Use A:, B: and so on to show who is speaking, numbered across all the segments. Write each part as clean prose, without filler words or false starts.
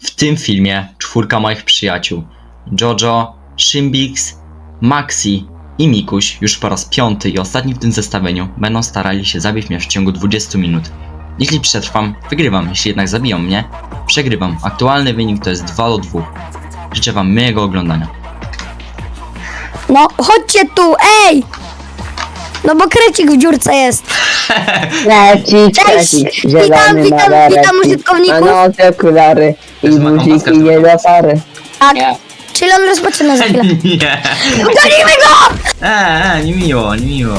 A: W tym filmie 4 moich przyjaciół Jojo, Szymbix, Maxi i Mikuś już po raz 5 i ostatni w tym zestawieniu będą starali się zabić mnie w ciągu 20 minut. Jeśli przetrwam, wygrywam, jeśli jednak zabiją mnie, przegrywam. Aktualny wynik to jest 2-2. Życzę wam miłego oglądania.
B: No, chodźcie tu, ej! No bo krecik w dziurce jest.
C: Cześć, zielony
B: witam użytkowników.
C: ma nowe okulary i
A: Jest ma
C: guziki
A: kompaskę.
C: nie do pary.
B: Tak, czyli on rozpoczyna za chwilę.
A: Nie!
B: Gonimy go!
A: Nie miło, nie miło.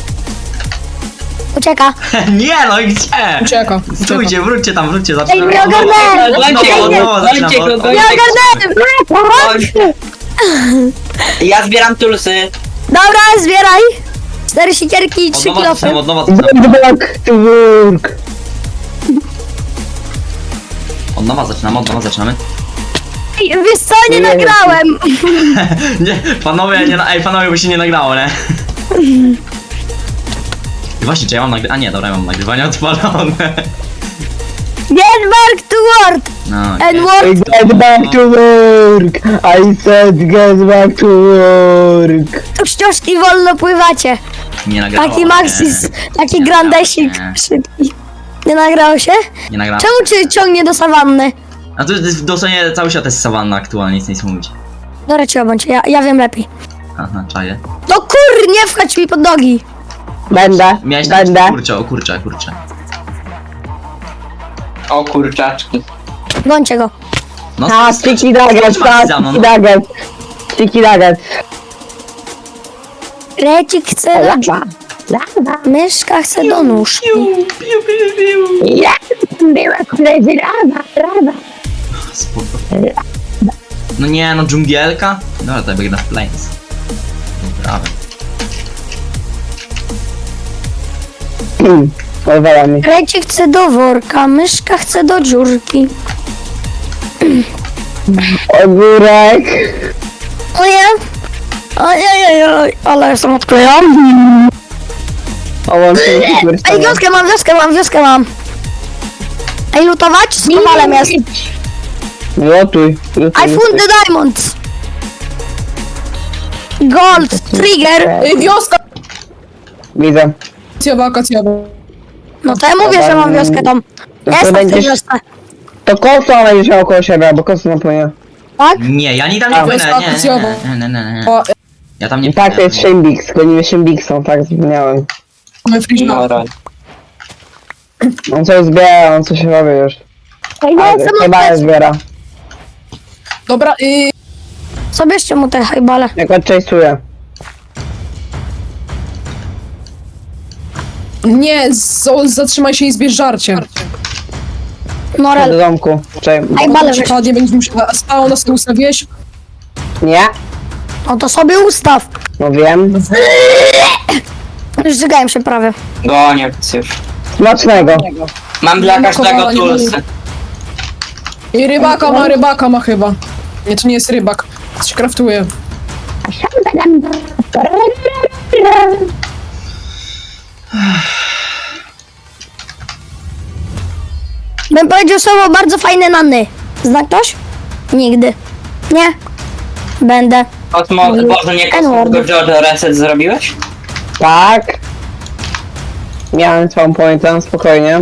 B: Ucieka.
A: Nie no i gdzie?
D: Ucieka.
A: Stójcie, wróćcie tam, wróćcie,
B: Ej,
A: zaczynamy.
B: nie ogarnąłem!
E: Gońcie go,
B: Nie ogarnąłem!
E: Ja zbieram tulsy.
B: Dobra, zbieraj. 4 sikierki i 3 kilofy.
A: Od nowa
C: Back to work.
A: zaczynamy.
B: Ej, wiesz co, nie nagrałem.
A: Nie, panowie, panowie, bo się nie nagrało, nie? I właśnie, czy ja mam nagrywanie? A nie, dobra, ja mam nagrywanie odpalone.
B: Get back to work.
A: No,
B: N-word.
C: Get back to work. I said get back to work.
B: Tu ścieżki wolno pływacie.
A: nie nagrało.
B: Taki Maxis, taki grandesik
A: Nie.
B: szybki. Nie nagrało się?
A: Nie nagrało.
B: Czemu cię ciągnie do sawanny?
A: A to jest dosłownie cały świat jest sawanna aktualnie, nic nie mówić.
B: Dobra, cię bądź, ja wiem lepiej.
A: Aha, czaję.
B: No kur, nie wchodź mi pod nogi.
C: Będę.
A: O kurczę.
E: O kurczaczki.
B: Gońcie go.
A: No,
C: A, sticky nuggets,
A: Maxi za mną, no.
C: Sticky nuggets.
B: Recik chce do... Myszka chce do nóżki.
C: Ja, była koledzy rawa.
A: Spoko. No nie, no dżungielka? Dobra, to ja biegnę w plains. Dobra.
C: Pozwala mi.
B: Recik chce do worka, myszka chce do dziurki.
C: Ogórek.
B: O nie? Ojej, ale jestem odklejony.
C: Ołącznik
B: Ej, wioskę mam. Ej, lutować? Z kowalem jest.
C: Lotuj.
B: I found the diamonds. Gold, trigger.
D: Ej, wioska!
C: Widzę.
D: Wakacjowa.
B: No to ja mówię, że mam wioskę tam.
C: To
B: Jestem w tej
C: będziesz-
B: wiosce.
C: To kosa będziesz miał koło siebie, bo kosa napłynie.
B: Tak?
A: Nie, ja nie tam nie
C: A.
A: płynę,
D: To jest akcjowo.
A: nie.
D: O,
A: Ja tam nie
C: I tak to
A: płynę.
C: jest Szymbix, gonimy Szymbiksą, tak zapomniałem.
D: mamy friżna.
E: Dobra.
C: On coś zbiera, on coś robi już.
B: Ej, no,
C: Ale
B: chcę
C: chyba nie
B: mu
C: zbiera.
D: Dobra,
B: Zabierzcie mu te hajbale.
C: Jak odczęstuje.
D: nie, zatrzymaj się i zbierz żarcie.
C: Do
B: Norel,
C: domku. Czekaj.
B: hajbale weź.
D: Przykładnie będziesz musiał... Spało nas to ustawiłeś?
C: Nie?
B: No to sobie ustaw.
C: No wiem.
B: Żygałem się prawie.
E: Gonię już.
C: Smacznego.
E: Mam dla każdego
D: Blokowało, nie
E: tulsy.
D: I rybaka ma chyba. Nie, to nie jest rybak. Coś kraftuje.
B: Bym powiedział słowo bardzo fajne nany. Zna ktoś? Nigdy. Nie. Będę.
E: Boże, nie
B: N-word.
E: tylko Jojo reset zrobiłeś?
C: Tak. Miałem swoją pointę, spokojnie.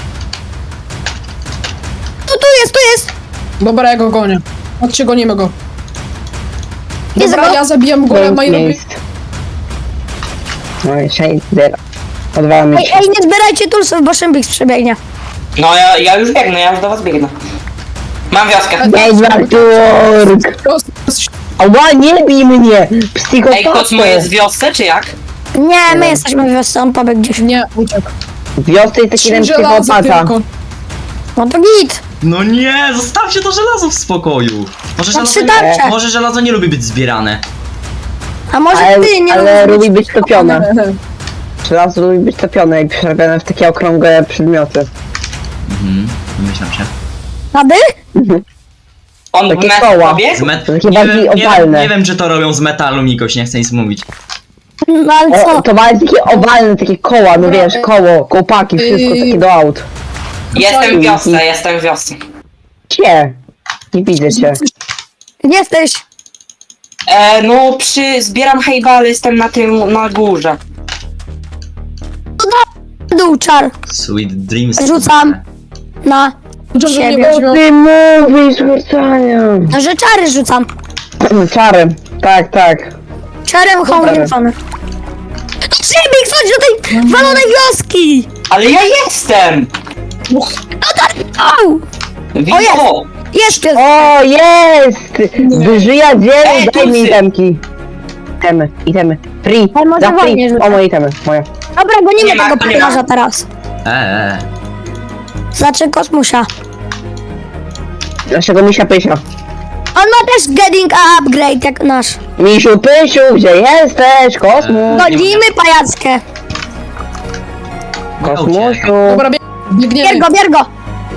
B: Tu jest.
D: Dobra, ja go gonię. Chodźcie, gonimy go.
B: Jest
D: Dobra,
B: go?
D: ja zabijam golema i robię...
C: Miejsc. No i shade zero. Odwala mi
B: Ej,
C: się.
B: ej, nie zbierajcie tulsów, bo Szymbix przebiegnie.
E: No ja już biegnę, ja już do was biegnę. Mam wioskę.
C: Get back to work. Ała, nie bij mnie!
E: Ej,
C: Psychopato!
E: Kosmo jest w wiosce, czy jak?
B: Nie, my jesteśmy w wiosce, on pobiegł gdzieś.
D: Nie, uciekł.
C: W wiosce jest taki
D: 3
C: jeden
D: żelaza
C: psychopata.
D: tylko.
B: No to git.
A: No nie, zostawcie to żelazo w spokoju. Może
B: tarcze.
A: żelazo nie lubi być zbierane.
B: A może
C: Ale,
B: ty nie
C: ale
B: lubisz
C: lubi być topione. Żelazo lubi być topione i przerabiane w takie okrągłe przedmioty.
A: Myślam się.
B: Rady?
E: On
C: Takie
E: w
C: koła.
E: pobiegł?
C: Takie bardziej owalne.
A: Nie wiem, czy to robią z metalu, Mikoś, nie chcę nic mówić.
B: No ale co?
C: To ma takie owalne, takie koła, no wiesz, koło, kołpaki, wszystko takie do aut.
E: Jestem w wiosce.
C: Gdzie? Nie widzę cię.
B: Gdzie jesteś?
E: No zbieram hejba, ale jestem na górze.
B: Dół, czar.
A: Sweet dreams.
B: Rzucam. Na.
D: Jojo
B: Siebie.
D: mnie weźmie.
C: Ty mówisz, Marcania.
B: No, że czary rzucam.
C: Czary. Tak, tak.
B: Czarem home rzucamy. Szybik, chodź do tej walonej wioski!
E: Ale ja jestem!
B: Au!
E: Widzę!
B: jest. Jest pies.
C: O, jest! Żyja dzielę,
E: Ej,
C: daj mi
E: tucy.
C: itemki. Itemy. Free,
B: Ale może
C: za
B: wolniej
C: free.
B: rzucaj.
C: O, moje itemy, moje.
B: Dobra, gonimy
E: Nie ma,
B: tego
E: nie ma.
B: pilarza teraz. Znaczy kosmusia.
C: Naszego misia pysia.
B: On ma też getting upgrade jak nasz.
C: Misiu pysiu, gdzie jesteś? Kosmos.
B: Godzimy pajackę.
C: Kosmusiu.
D: Dobra, biegniemy.
B: Bier go.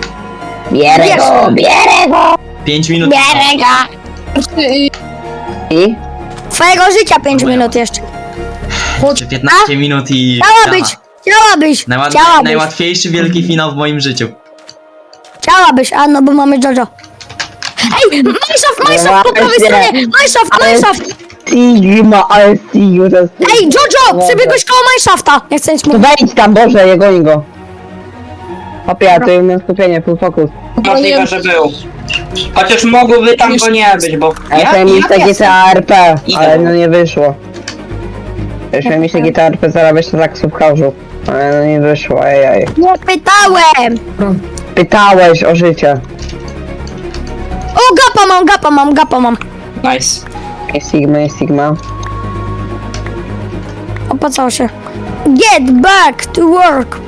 C: Bierę go.
A: 5 minut.
B: Bierę go.
C: I?
B: Twojego życia 5 minut jeszcze.
D: Chodź.
A: Czy 15 minut i...
B: Chciałabyś.
A: Najłatwiejszy wielki finał w moim życiu.
B: Chciałabyś, a no bo mamy Jojo. Ej, Minecraft po prawej stronie! Minecraft!
C: Sigma, ale Sigma to jest...
B: Ej, Jojo, przebiegłeś koło Minecrafta. Nie chcę nic
C: To
B: mówić.
C: wejdź tam, Boże, je goni go. Hopie, to mam skupienie, full focus.
E: Możliwe, że był. Chociaż mogłoby tam go nie być, bo...
C: Ja chciałem mieć takie
E: jestem.
C: CARP,
E: Idę.
C: ale no nie wyszło. Ja chciałem mieć takie CARP, zarabiać to tak w subhouse'u. Ale no nie wyszło, ej.
B: Nie pytałem.
C: Pytałeś o życie.
B: O, gapa mam.
E: Nice.
C: Jest Sigma.
B: Opłacało się. Get back to work.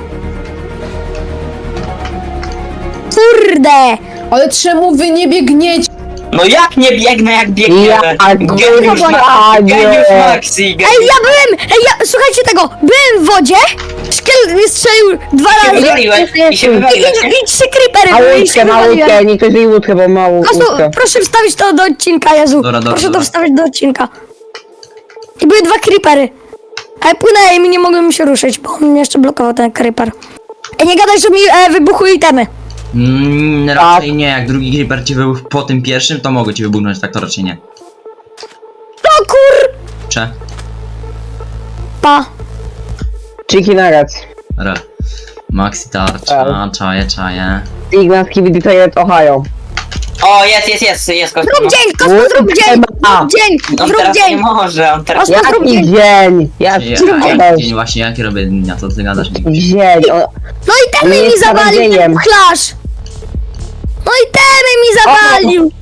B: Kurde.
D: Ale czemu wy nie biegniecie?
E: No jak nie biegnę, jak biegniemy?
C: Ja
E: Geniusz Maxi,
B: Ej, słuchajcie tego. Byłem w wodzie. Szkiel strzelił 2 razy.
E: wywaliłeś i się wywaliłeś, nie?
B: I 3 creepery były i się
C: Ma
B: wywaliłem.
C: łódkę, nie ktoś jej łódkę, bo ma
B: Kasu,
C: łódkę.
B: proszę wstawić to do odcinka, Jezu.
A: Dobra.
B: Proszę to wstawić do odcinka. I były 2 creepery. Ale płynęłem i nie mogłem mi się ruszyć, bo on mnie jeszcze blokował ten creeper. Ej, nie gadaj, że mi wybuchły itemy.
A: Raczej nie, jak drugi creeper ci wybuchł po tym pierwszym, to mogę ci wybuchnąć, tak to raczej nie.
B: O kur...
A: Cze?
B: Pa.
C: Chicken nuggets.
A: Re. Maxi tarcza, czaje.
C: Sigma, Skibidi Toilet, Ohio.
E: O, jest Kosmo.
B: Zrób dzień, Kosmo, zrób dzień.
E: On
B: Zrób
E: teraz nie
B: dzień.
E: może, on teraz...
B: Kosmo, zrób
C: Jaki
B: dzień.
C: dzień?
A: Dzień właśnie, jaki robię dnia, co ty gadasz?
C: Dzień.
B: No i temy
C: Nie
B: mi
C: jest
B: zawalił ten
C: czarodziejem.
B: pchlarz. No i temy mi zawalił.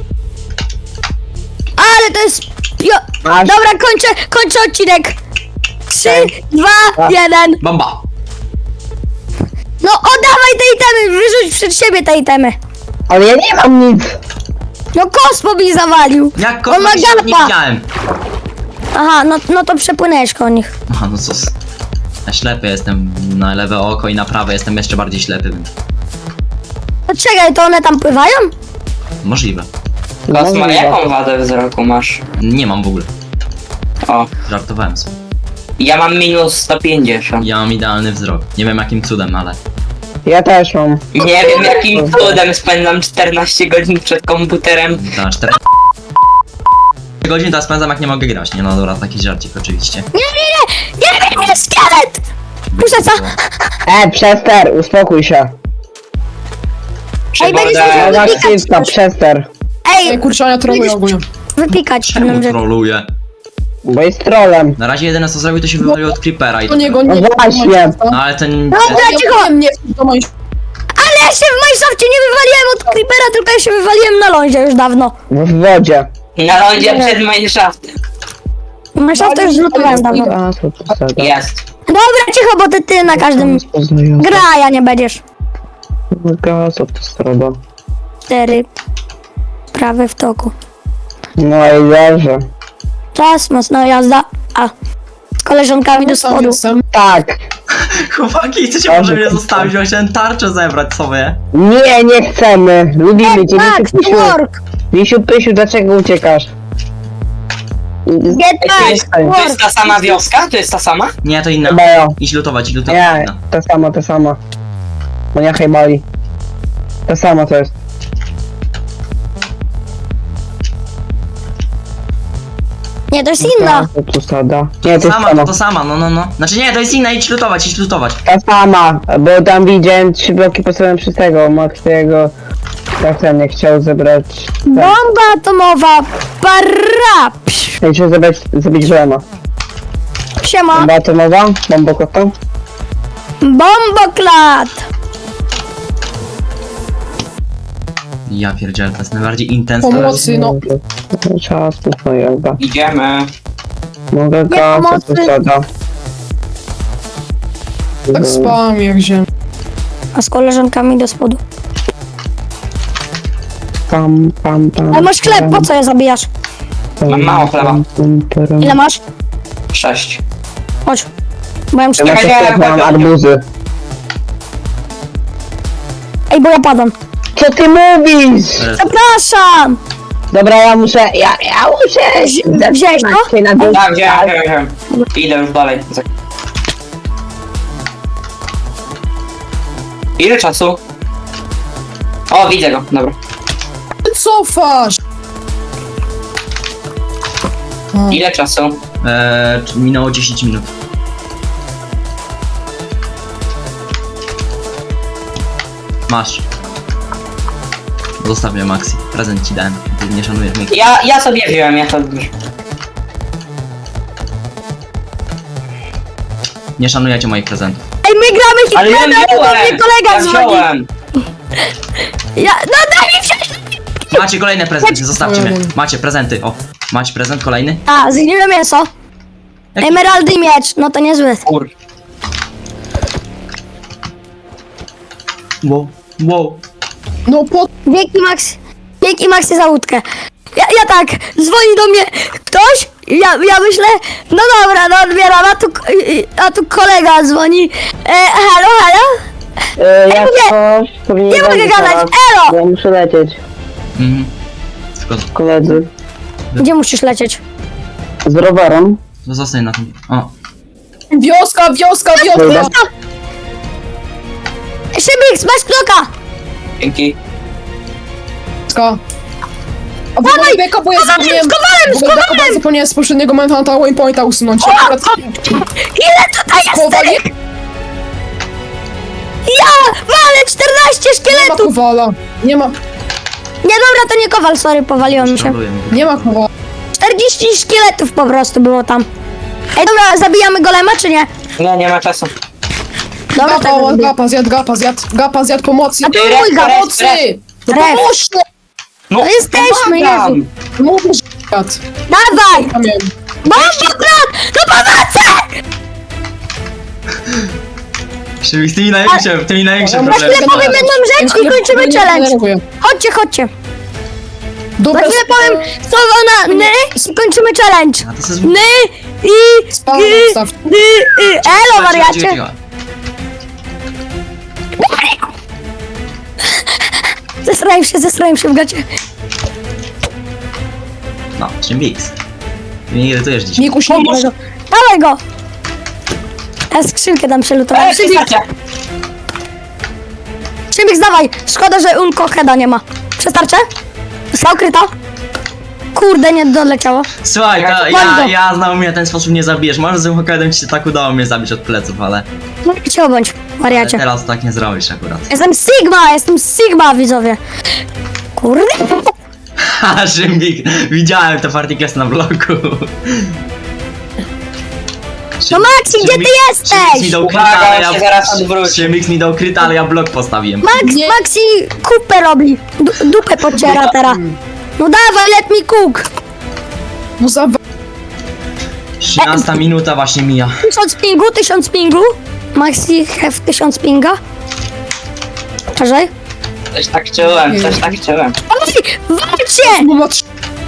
B: Ale to jest...
C: Masz.
B: Dobra, kończę odcinek. 3, 2, 1.
A: Bomba!
B: No oddawaj te itemy, wyrzuć przed siebie te itemy.
C: Ale ja nie mam nic.
B: No Kosmo mi zawalił.
A: Jak
B: On ma
A: kogoś nie
B: gapa.
A: widziałem!
B: Aha, no to przepłynęłeś koło nich.
A: Aha, no co? Ja ślepy jestem na lewe oko i na prawe jestem jeszcze bardziej ślepy, więc
B: To czekaj, to one tam pływają?
A: możliwe.
E: Kosmo, jaką wadę wzroku masz?
A: Nie mam w ogóle.
E: O,
A: Żartowałem sobie.
E: ja mam minus 150.
A: Ja mam idealny wzrok. Nie wiem jakim cudem, ale...
C: Ja też mam.
E: Nie wiem jakim cudem spędzam 14 godzin przed komputerem.
A: Za 4 godzin to spędzam jak nie mogę grać. Nie no dobra, taki żarcik oczywiście.
B: Nie, szkielet! Puszczę co?
C: Przester, uspokój się.
B: Ej, będziesz
E: Przygodę.
B: musiał-
C: Ona krzywka, przester.
D: Ej,
B: Ej,
D: kurczę, ja troluję ogólnie.
B: wypikać
A: Czemu
B: pewną rzecz.
A: troluję?
C: Bo jest trolem.
A: Na razie jedyne co zrobił to się wywalił od creepera i
D: To niego
C: No
D: nie...
C: właśnie.
A: No ale ten...
B: Dobra, cicho!
D: Nie, to moim...
B: Ale ja się w Minecrafcie nie wywaliłem od creepera, tylko ja się wywaliłem na lądzie już dawno.
C: W wodzie.
E: Na lądzie przed Minecraftem.
B: Minecraft to już zlutowałem dawno.
C: A, co to za...
E: Jest.
B: Dobra, cicho, bo ty na każdym gra, a ja nie będziesz.
C: Co to stroba?
B: 4. Prawy w toku.
C: No i dobrze.
B: Czas, mocna jazda. A. Z koleżankami do
D: Sam
B: spodu.
D: jestem.
C: Tak.
A: Chłopaki, chcecie może mnie zostawić, bo chciałem tarczę zebrać sobie.
C: Nie chcemy. Lubimy cię.
B: Back to work!
C: Misiu Pysiu, dlaczego uciekasz?
B: Get back to
E: To
B: work!
E: jest ta sama wioska? To jest ta sama?
A: Nie, to inna.
C: Chyba ja.
A: Idź lutować.
C: Nie,
A: Inna.
C: to sama. Bo nie hejbali. To samo to jest.
B: Nie, to jest inna.
C: To tu sada. Nie, to jest
A: Sama,
C: sama.
A: to sama, no. Znaczy nie, to jest inna, idź lutować.
C: Ta sama, bo tam widziałem 3 bloki postawione przez tego, Maxiego. Tak ten nie chciał zebrać. Tak.
B: Bomba atomowa. Parapsz.
C: Chciał zabić Golema.
B: Siema.
C: Bomba atomowa, bombokota.
B: Bomboklat.
A: Ja pierdzielę, to jest najbardziej intensywne.
D: Pomocy, no.
C: Czas, no jakby.
E: Idziemy.
C: Mogę go, co tu
B: pomocy.
C: sada.
D: Tak spałem jak ziemia.
B: A z koleżankami do spodu.
C: Pam.
B: Ale masz chleb, po co je zabijasz?
E: Mam mało chleba.
B: Ile masz?
E: 6.
B: Chodź. Bo ja muszę...
C: Ja
E: Czekaj,
C: mam arbuzy.
B: Ej, bo ja padam.
C: Co ty mówisz?
B: Przepraszam!
C: Dobra, ja muszę
B: Wziąłeś to?
C: się na dół.
E: Tak, wziąłem. Idę już dalej. Ile czasu? O, widzę go, dobra.
D: Ty cofasz!
E: Ile czasu?
A: Minęło 10 minut. Masz. Zostaw mnie, Maxi. Prezent ci dałem. Ty nie szanujesz mnie.
E: Ja sobie wziąłem, ja to już.
A: Nie szanujecie moich prezentów.
B: Ej, my gramy
E: Ale ja
B: Hitmana, to do
E: wziąłem!
B: mnie kolega
E: Ja
B: dzwoni.
E: wziąłem!
B: No daj mi wziąć!
A: Macie kolejne prezenty, zostawcie mnie. Macie prezenty, o. Macie prezent kolejny?
B: A, zgniłe mięso. Emeraldy i miecz, no to niezły.
E: Kur...
A: Wow.
D: No po...
B: Dzięki Maxie za łódkę. Ja tak, dzwoni do mnie ktoś, ja myślę, no dobra, no odbieram, a tu kolega dzwoni. Halo?
C: Jak
B: mówię,
C: coś, to mnie
B: nie mogę
C: będzie
B: gadać,
C: teraz,
B: elo!
C: bo Ja muszę lecieć,
A: Mhm. Tylko
C: koledzy.
B: Gdzie musisz lecieć?
C: Z rowerem.
A: zostań na tym. O.
D: Wioska!
C: Dobra.
B: Szybik, masz bloka!
E: Dzięki.
D: Wioska! A bo
B: Dawaj,
D: beka, bo ja zapomniałem...
B: z kowalem!
D: Bo ja zapomniałem z poprzedniego momentu na ta waypointa usunąć.
B: Ile tutaj jest?
D: Kowal,
B: Ja walę 14
D: nie ma
B: szkieletów!
D: kowala. Nie ma...
B: Nie dobra, to nie kowal, sorry, powaliłem się.
A: Szanuję mnie.
D: Nie ma kowala.
B: 40 szkieletów po prostu było tam. Ej, dobra, zabijamy golema, czy nie?
E: Nie ma czasu.
B: Dobra, tak robię.
D: Gapa zjadł pomocy.
B: A to mój gap.
D: Pomocy! No
B: Ref.
D: pomóżcie!
E: No,
B: jesteśmy,
E: pomagam.
B: Jezu.
D: Mówisz, zjadł.
B: Dawaj!
D: Pamiętam.
B: Bomboklat! No pomocy!
A: Szybik, z tymi największym
B: Na
A: problemem.
B: chwilę powiem jedną rzecz i kończymy
D: Nie
B: challenge.
D: denerwuję.
B: Chodźcie.
D: Dobra,
B: Na chwilę powiem słowo na ny i kończymy challenge.
A: A to jest...
B: Ny i
D: Spawę
B: y,
D: staw.
B: elo, wariacie. Zesrałem się w gacie.
A: No, Szymbiks. Ty mnie irytujesz dzisiaj.
D: Mikuś,
B: Dawaj go. Dawaj go. Ja skrzynkę tam przelutowałem.
E: Przestańcie.
B: Szybik, dawaj. Szkoda, że Uncoheada nie ma. Przestarczę? Została ukryta? Kurde, nie doleciało.
A: Słuchaj, to
B: Bardzo.
A: ja znowu mnie w ten sposób nie zabijesz. Może z Hokkaido ci się tak udało mnie zabić od pleców, ale
B: No i cię obądź, wariacie.
A: teraz tak nie zrobisz akurat.
B: Jestem Sigma, widzowie. Kurde.
A: Ha, Szymbik, widziałem te partikles na bloku.
B: No Maxi, gdzie ty
A: Szymbik mi dał
B: jesteś?
A: kryta, ale
E: Uwaga, on się zaraz odwróci.
A: Szymbik mi dał kryta, ale ja blok postawiłem.
B: Maxi kupę robi. Dupę pociera teraz. No dawaj, let me cook.
D: no za...
A: 13 minuta właśnie mija.
B: 1000 pingu. Maxi have 1000 pinga. Cześć.
E: Coś tak czułem.
B: Walcie!
D: Bo ma trzy...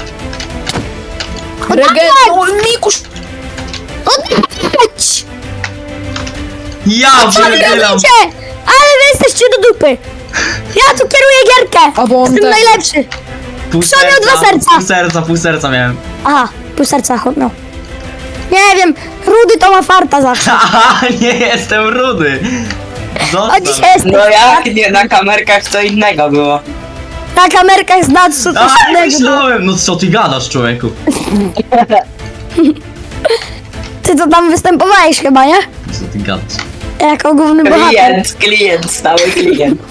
D: Regen... No, Mikuś!
B: Oddać!
A: Ja
B: Co wy
A: pierdzielam!
B: robicie? Ale wy jesteście do dupy. Ja tu kieruję gierkę.
D: A bo on
B: Jestem
D: ten-
B: najlepszy. Przodem 2 serca.
A: Pół serca miałem.
B: Aha, pół serca chodno. Nie wiem, Rudy to ma farta zawsze.
A: Aha, nie jestem rudy.
B: O,
A: Zostaw.
B: dzisiaj jest
E: No jak nie, na kamerkach co innego było.
B: na kamerkach z Natsu to
A: A,
B: innego było.
A: myślałem, no co ty gadasz, człowieku?
B: Ty to tam występowałeś chyba, nie?
A: Co ty gadasz?
B: Jako główny bohater.
E: Klient, stały klient.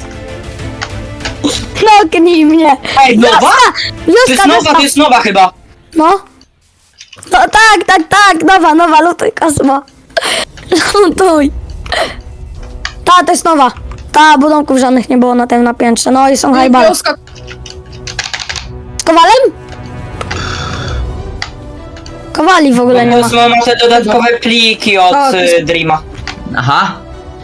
B: No, knij mnie.
E: Ej, nowa? To jest
B: Wioska,
E: nowa, to jest nowa chyba.
B: No. No tak, nowa, lutuj, Kosmo. Lutuj. To jest nowa. Budynków żadnych nie było na tym na piętrze, no i są hajbale.
D: Wioska,
B: Z Kowalem? Kowali w ogóle nie ma.
E: Kosmo ma te dodatkowe pliki od
D: A, to jest-
E: Dreama.
A: Aha.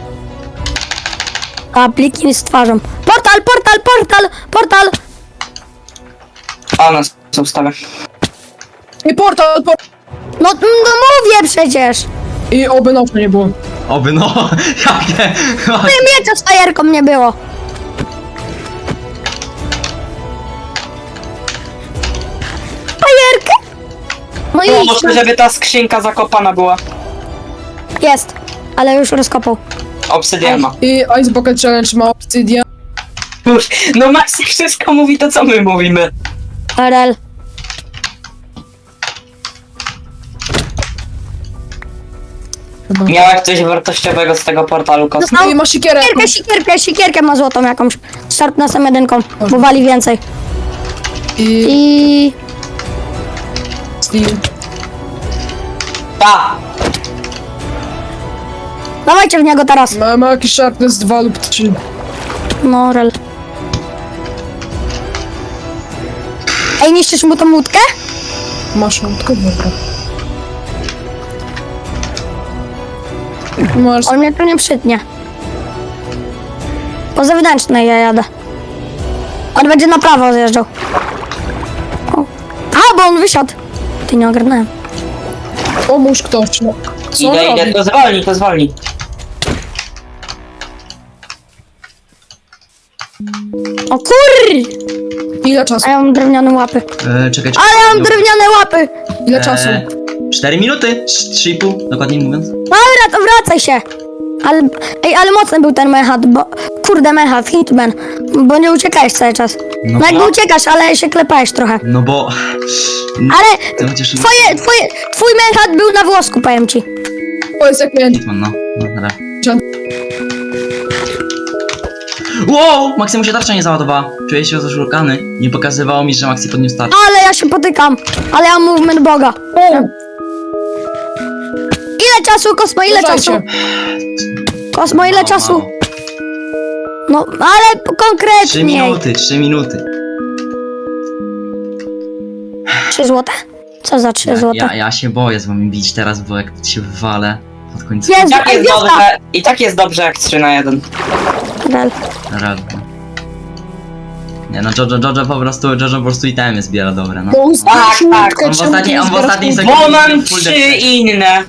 B: A pliki z twarzą. Portal!
E: A, nas ustawę.
D: i portal,
B: No mówię przecież.
D: i oby nocy nie było.
A: Oby no. Jakie.
B: Miecza z fajerką nie było. Fajerkę? No i
E: Może, żeby ta skrzynka zakopana była.
B: jest, ale już rozkopał.
E: Obsydian ma.
D: I Ice Bucket Challenge ma obsydian.
E: No Maxi wszystko mówi to, co my mówimy.
B: RL.
D: Chyba.
E: Miałeś coś wartościowego z tego portalu, Kosmo?
D: No i ma sikierę.
B: Sikierkę ma złotą jakąś. Sharpnessem jedynką, bo wali więcej.
D: I...
B: I...
D: Steel.
E: Ta!
B: Dawajcie w niego teraz.
D: Ma jakiś sharpness 2 lub 3.
B: No, rel. Ej, niszczysz mu tą łódkę?
D: Masz łódkę, dobra. Masz...
B: On mnie tu nie przytnie. Po zewnętrznej ja jadę. On będzie na prawo zjeżdżał. O. A, bo on wysiadł. Ty nie ogarnąłem.
D: Pomóż ktoś, no. Co on
E: Idę,
D: robi?
E: to zwolni.
B: O kur!
D: Ile czasu?
B: A ja mam drewniane łapy.
A: Czekaj.
B: Ale ja mam drewniane łapy!
D: Ile czasu?
A: 4 minuty? 3,5 dokładnie mówiąc.
B: Dobra, to wracaj się! Ale mocny był ten mechat, bo... Kurde, mechat, hitman. Bo nie uciekałeś cały czas.
A: No
B: No jakby
A: bo-
B: uciekasz, ale się klepałeś trochę.
A: No bo...
B: Ale
A: To chociaż...
B: twój mechat był na włosku, powiem ci.
D: To jest jak miałem...
A: Hitman, no. Dobra.
D: Czy-
A: Wow! Maxi mu się tarcza nie załadowała. Czuję się zaszukany. Nie pokazywało mi, że Maxi podniósł tarczę.
B: Ale ja się potykam. Ale ja mam movement boga. Ile czasu, Kosmo, ile czasu?
D: Uważajcie.
B: Kosmo, ile
A: Mało,
B: czasu?
A: mało.
B: No, ale
A: 3
B: konkretnie.
A: minuty, 3 minuty.
B: 3 złote? Co za 3 złote?
A: Ja się boję z wami bić teraz, bo jak się wywalę pod końcem.
B: Jezu,
E: Tak
B: ej,
E: jest
B: wioska!
E: dobrze, I tak jest dobrze jak 3 na 1.
B: Rel.
A: Realnie. Nie no, Jojo po prostu itemy zbiera dobre, no.
D: Bo
E: Tak, tak.
D: łódkę,
A: On w
D: czemu ty
A: ostatniej-
D: nie
A: on w
D: zbierasz
A: ostatniej
D: łódki?
A: sekundzie-
E: Bo mam
A: Full
E: 3
A: defense.
E: inne.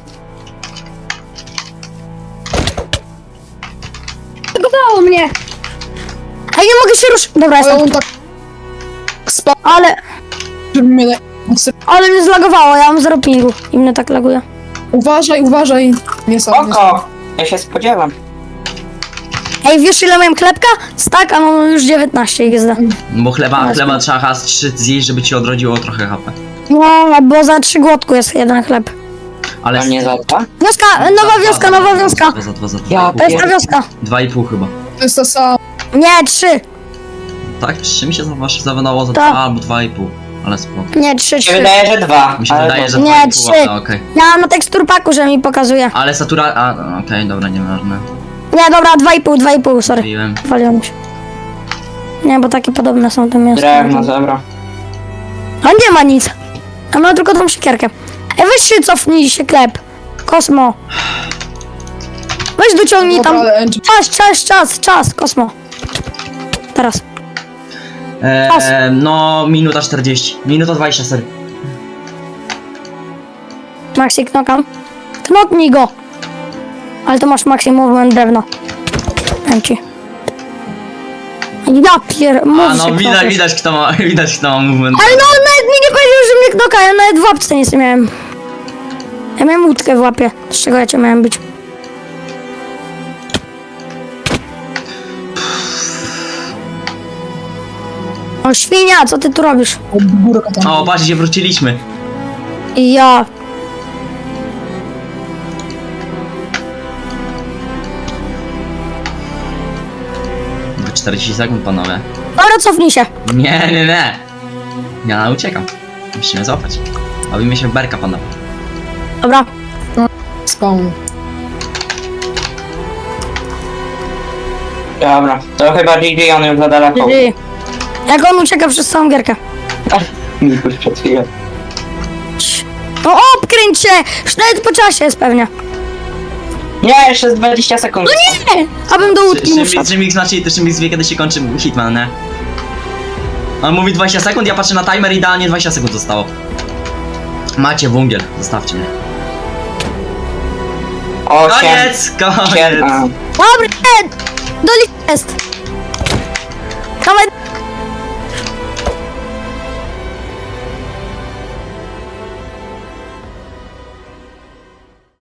B: Zagowało mnie. Ej, nie mogę się ruszyć. Dobra,
D: Ale
B: jestem.
D: on tak... Spadł,
B: Ale
D: mnie...
B: mnie zlagowało, ja mam 0 pingu. I mnie tak laguje.
D: Uważaj, uważaj. Nie sam.
E: Oko. Ja się spodziewam.
B: Ej, wiesz ile miałem chlebka? Stack, a mam już 19 XD.
A: Bo chleba trzeba chyba 3 zjeść, żeby ci odrodziło trochę HP.
B: No, bo za 3 głodku jest jeden chleb.
A: Ale...
E: A nie za 2?
B: Wioska, nowa wioska, nowa wioska.
A: Za 2,
E: Ja
B: To jest ta wioska.
A: 2,5 chyba.
D: To jest ta sama.
B: Nie, 3.
A: Tak? 3 mi się zawadało za
B: Tak.
A: 2 albo 2,5. Ale spoko.
B: Nie, 3,
E: Mi się
B: 3.
E: wydaje, że 2.
A: Mi się wydaje, że
B: Nie,
A: 2,5,
B: 3.
A: ale okej.
B: Ja mam na teksturpaku, że mi pokazuje.
A: Ale satura... A, okej, dobra, nieważne.
B: Nie, dobra, 2,5, sorry.
A: Mówiłem.
B: Waliłem się. Nie, bo takie podobne są te miasta.
E: Drewno, dobra.
B: A nie ma nic. A ma tylko tą siekierkę. Ej, weź się cofnij się klep. Kosmo. Weź dociągnij
D: Dobra,
B: tam.
D: ale Angie...
B: Czas, Kosmo. Teraz.
A: No, minuta 40. Minuta 20, sorry.
B: Maxi knokam. Knoknij go. Ale to masz Maxi movement drewno. Dam ci. Ja
A: A no, widać kto ma, widać kto ma movement.
B: Ale no, on nawet mi nie powiedział, że mnie knoka. Ja nawet w łapce nic nie miałem. Ja miałem łódkę w łapie. Z czego ja cię miałem być? O, świnia, co ty tu robisz?
D: Od górka tam.
A: O, patrz, gdzie wróciliśmy.
B: I ja.
A: 40 sekund, panowie.
B: Dobra, cofnij się.
A: Nie. Ja uciekam. Musimy złapać. Bawimy się w berka, panowie.
B: Dobra.
D: Spawn.
E: Dobra, to chyba GG, on już za daleko.
B: GG. Jak on ucieka przez całą gierkę.
E: Mikuś przed chwilą.
B: No obkręć się! Już nawet po czasie jest pewnie.
E: Nie, jeszcze z 20 sekund.
B: Nie! Abym do łódki nie wszedł.
A: Szymix znaczy, to Szymix wie, kiedy się kończy Hitman, nie? On mówi 20 sekund, ja patrzę na timer, idealnie 20 sekund zostało. Macie wungiel, zostawcie mnie.
E: 8,
A: Koniec!
E: 7,
B: Dobra, do jest. Dawaj,